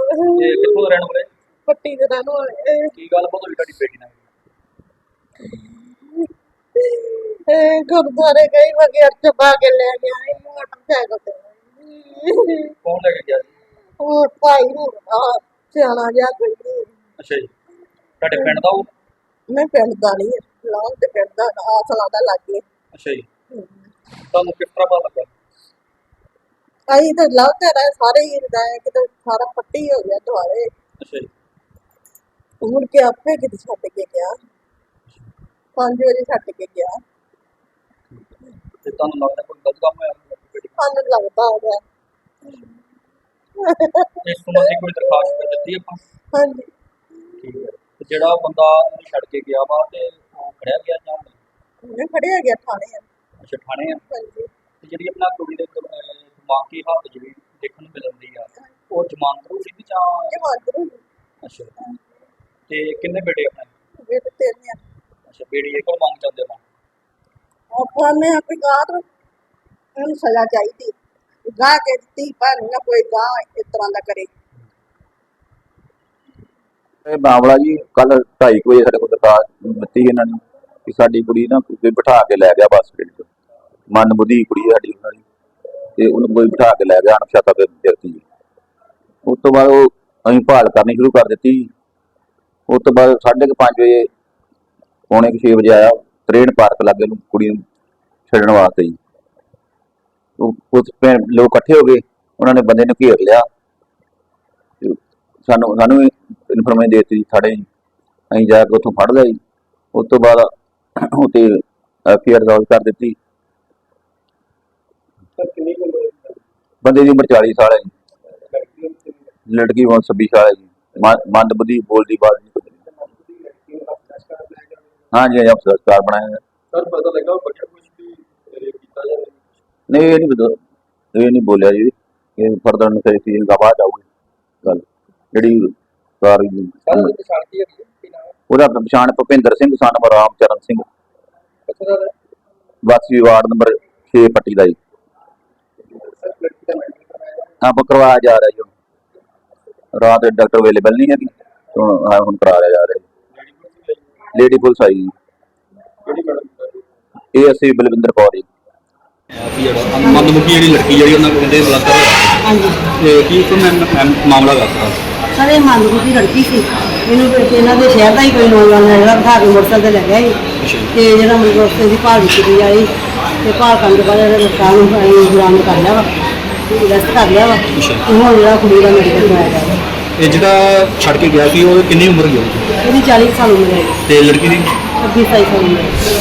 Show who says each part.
Speaker 1: ਇਹ ਕਿੱਥੋਂ ਦੇ ਰਹਿਣ ਵਾਲੇ?
Speaker 2: ਪੱਟੀ ਦੇ ਰਹਿਣ ਵਾਲੇ।
Speaker 1: ਕੀ ਗੱਲ ਬਹੁਤ ਹੋਈ ਤੁਹਾਡੀ ਬੇਟੀ ਨਾਲ?
Speaker 2: ਗੁਰਦੁਆਰੇ ਗਈ ਵਗੈਰ ਚਬਾ ਕੇ ਲੈ ਗਿਆ ਮੋਟਰਸਾਈਕਲ ਤੇ।
Speaker 1: ਕੌਣ ਲੈ ਕੇ ਗਿਆ ਜੀ?
Speaker 2: ਉਹ ਭਾਈ ਹੋਣਾ ਸਿਆਣਾ ਜਿਹਾ ਕੋਈ ਨਹੀਂ।
Speaker 1: ਅੱਛਾ ਜੀ, ਤੁਹਾਡੇ ਪਿੰਡ ਦਾ ਉਹ?
Speaker 2: ਮੈਂ ਪਿੰਡ ਦਾ ਨਹੀਂ ਹੈ, ਲਾਉਂ ਤੇ ਪਿੰਡ ਦਾ ਆਸਲਾ ਦਾ ਲਾਗੇ।
Speaker 1: ਅੱਛਾ ਜੀ, ਤੁਹਾਨੂੰ ਕਿਸ ਤਰ੍ਹਾਂ ਪਤਾ ਲੱਗਾ?
Speaker 2: ਅਸੀਂ ਤਾਂ ਲਾਉਂਦੇ ਰਹੇ ਸਾਰੇ ਹੀ ਹੁੰਦਾ ਹੈ ਕਿਤੇ ਸਾਰਾ ਪੱਟੀ ਹੋ ਗਿਆ ਦੁਆਰੇ।
Speaker 1: ਅੱਛਾ ਜੀ,
Speaker 2: ਮੁੜ ਕੇ ਆਪੇ ਕਿਤੇ ਛੱਡ ਕੇ ਗਿਆ, 5 ਵਜੇ ਛੱਡ ਕੇ ਗਿਆ।
Speaker 1: ਤੇ ਤੁਹਾਨੂੰ ਲੱਗਦਾ ਕੋਈ ਗਲਤ ਕੰਮ ਹੋਇਆ ਬੇਟੀ ਨਾਲ?
Speaker 2: ਸਾਨੂੰ ਲੱਗਦਾ ਹੋਗਾ।
Speaker 1: ਇਸ ਸੰਬੰਧੀ ਕੋਈ ਦਰਖਾਸਤ ਦਿੱਤੀ ਆਪਾਂ?
Speaker 2: ਹਾਂਜੀ।
Speaker 1: ਠੀਕ ਹੈ, ਤੇ ਜਿਹੜਾ ਬੰਦਾ ਉਹਨੂੰ ਛੱਡ ਕੇ ਗਿਆ ਵਾ ਤੇ ਉਹ ਫੜਿਆ ਗਿਆ ਜਾਂ ਨਹੀਂ?
Speaker 2: ਮੈਂ ਫੜਿਆ ਗਿਆ ਥਾਣੇ।
Speaker 1: ਅੱਛਾ, ਥਾਣੇ ਆ।
Speaker 2: ਹਾਂਜੀ।
Speaker 1: ਤੇ ਜਿਹੜੀ ਆਪਣਾ ਕੁੜੀ ਦੇ ਦਿਮਾਗੀ ਹਾਲਤ ਜਿਹੜੀ ਦੇਖਣ ਨੂੰ ਮਿਲਦੀ ਆ, ਉਹ ਜਮਾਨਤ ਰੂ ਸੀ ਜਾਂ?
Speaker 2: ਜਮਾਂਦਰੂ
Speaker 1: ਅੱਛਾ, ਤੇ ਕਿੰਨੇ ਬੇਟੇ ਆਪਣੇ?
Speaker 2: ਬੇਟੇ ਤੇਰੇ ਆ।
Speaker 1: ਅੱਛਾ, ਬੇੜੀ ਇਹ ਕੋਲ ਮੰਗ ਜਾਂਦੇ ਹੋ?
Speaker 2: ਆਪਾਂ ਨੇ ਆਪਣੀ ਗਾਹ ਨੂੰ ਸਜ਼ਾ ਚਾਹੀਦੀ, ਗਾਹ ਕੇ ਦਿੱਤੀ ਪਰ ਨਾ ਕੋਈ ਗਾਹ ਇਸ ਤਰ੍ਹਾਂ ਦਾ ਕਰੇ।
Speaker 3: ਇਹ ਮਾਮਲਾ ਜੀ ਕੱਲ 2:30 ਵਜੇ ਸਾਡੇ ਕੋਲ ਦਰਖਾਸਤ ਦਿੱਤੀ ਇਹਨਾਂ ਨੇ ਕਿ ਸਾਡੀ ਕੁੜੀ ਨਾ ਕੋਈ ਬਿਠਾ ਕੇ ਲੈ ਗਿਆ ਬੱਸ ਸਟੈਂਡ ਤੋਂ। ਮੰਦਬੁੱਧੀ ਕੁੜੀ ਹੈ ਸਾਡੀ ਉਹਨਾਂ ਦੀ, ਤੇ ਉਹਨੂੰ ਕੋਈ ਬਿਠਾ ਕੇ ਲੈ ਗਿਆ ਅਣਪਛਾਤਾ ਵਿਅਕਤੀ। ਉਸ ਤੋਂ ਬਾਅਦ ਉਹ ਅਸੀਂ ਭਾਲ ਕਰਨੀ ਸ਼ੁਰੂ ਕਰ ਦਿੱਤੀ। ਉਸ ਤੋਂ ਬਾਅਦ 5:30 ਵਜੇ ਪੌਣੇ 6 ਵਜੇ ਆਇਆ ਤਰੇਨ ਪਾਰਕ ਲਾਗੇ ਨੂੰ ਕੁੜੀ ਨੂੰ ਛੱਡਣ ਵਾਸਤੇ ਜੀ। ਕੁਝ ਲੋਕ ਇਕੱਠੇ ਹੋ ਗਏ, ਉਹਨਾਂ ਨੇ ਬੰਦੇ ਨੂੰ ਘੇਰ ਲਿਆ। ਸਾਨੂੰ ਇਨਫੋਰਮੇਸ਼ਨ ਦੇ ਦਿੱਤੀ ਥਾਣੇ ਜੀ, ਅਸੀਂ ਜਾ ਕੇ ਉੱਥੋਂ ਫੜ ਲਿਆ ਜੀ। ਉਸ ਤੋਂ ਬਾਅਦ ਉੱਥੇ FIR ਦਰਜ ਕਰ ਦਿੱਤੀ। ਬੰਦੇ ਦੀ ਉਮਰ 40 ਸਾਲ ਹੈ ਜੀ, ਲੜਕੀ ਉਮਰ 26 ਸਾਲ ਹੈ ਜੀ। ਮੰਦਬੁੱਧੀ ਬੋਲਦੀ ਬਾਤ ਨਹੀਂ ਕੁਝ। ਹਾਂਜੀ ਹਾਂਜੀ, ਸੰਸਕਾਰ ਬਣਾਇਆ ਹੈ।
Speaker 1: ਸਰ ਪਤਾ ਲੱਗਾ ਬੱਚਾ ਕੁਝ ਵੀ ਕੀਤਾ ਜਾਂ
Speaker 3: ਨਹੀਂ, ਇਹ ਨਹੀਂ ਬੋਲਿਆ ਜੀ। ਇਹ ਫਰਦਰ ਇਨਵੈਸਟੀਗੇਸ਼ਨ ਦਾ ਬਾਅਦ ਆਊਗੀ ਗੱਲ ਜਿਹੜੀ ਸਾਰੀ।
Speaker 1: ਸ਼ਾਂਤੀ ਹੈਗੀ
Speaker 3: ਉਹਦਾ ਪਛਾਣ ਭੁਪਿੰਦਰ ਸਿੰਘ ਸਨ ਰਾਮ ਚਰਨ ਸਿੰਘ, ਵਾਸੀ ਵਾਰਡ ਨੰਬਰ 6 ਪੱਟੀ ਦਾ ਜੀ। ਆਪਾਂ ਕਰਵਾਇਆ ਜਾ ਰਿਹਾ ਜੀ, ਹੁਣ ਰਾਤ ਡਾਕਟਰ ਅਵੇਲੇਬਲ ਨਹੀਂ ਹੈਗੀ, ਹੁਣ ਕਰਾ ਲਿਆ ਜਾ ਰਿਹਾ। ਲੇਡੀ ਪੁਲਿਸ ਆਈ ਜੀ, ਇਹ ਅਸੀਂ ਬਲਵਿੰਦਰ ਕੌਰ ਜੀ।
Speaker 1: ਮੰਦਬੁੱਧੀ ਜਿਹੜੀ ਲੜਕੀ ਜਿਹੜੀ ਉਹਨਾਂ ਕਹਿੰਦੇ ਬਲਾਤਕਾਰ ਹੋਇਆ,
Speaker 4: ਹਾਂਜੀ
Speaker 1: ਤੇ ਕੀ ਕੋਈ ਮਾਮਲਾ ਦੱਸਦਾ?
Speaker 4: ਸਰ ਇਹ ਮੰਦਬੁੱਧੀ ਲੜਕੀ ਸੀ, ਇਹਨੂੰ ਇਹਨਾਂ ਦੇ ਸ਼ਹਿਰ ਦਾ ਹੀ ਕੋਈ ਨੌਜਵਾਨ ਹੈ ਜਿਹੜਾ ਬਿਠਾ ਕੇ ਮੋਟਰਸਾਈਕਲ ਤੇ ਲੈ ਗਿਆ ਸੀ। ਤੇ ਜਿਹੜਾ ਮਤਲਬ ਉਸ ਦੀ ਭਾਲ ਕੀਤੀ ਆਈ ਤੇ ਭਾਲ ਕਰਨ ਤੋਂ ਬਾਅਦ ਇਹਦੇ ਨੁਕਸਾਨ ਨੂੰ ਅਸੀਂ ਬਰਾਮਦ ਕਰ ਲਿਆ ਵਾ, ਅਰੈਸਟ ਕਰ ਲਿਆ ਵਾ। ਹੁਣ ਜਿਹੜਾ ਕੁੜੀ ਦਾ ਮੈਡੀਕਲ ਕਰਵਾਇਆ ਜਾ ਰਿਹਾ।
Speaker 1: ਇਹ ਜਿਹੜਾ ਛੱਡ ਕੇ ਗਿਆ ਸੀ ਉਹ ਕਿੰਨੀ ਉਮਰ ਹੋਈ?
Speaker 4: ਇਹਦੀ 40 ਸਾਲ ਉਮਰ ਹੈ
Speaker 1: ਤੇ ਲੜਕੀ ਦੀ?
Speaker 4: 26 ਸਾਲ ਉਮਰ ਹੈ।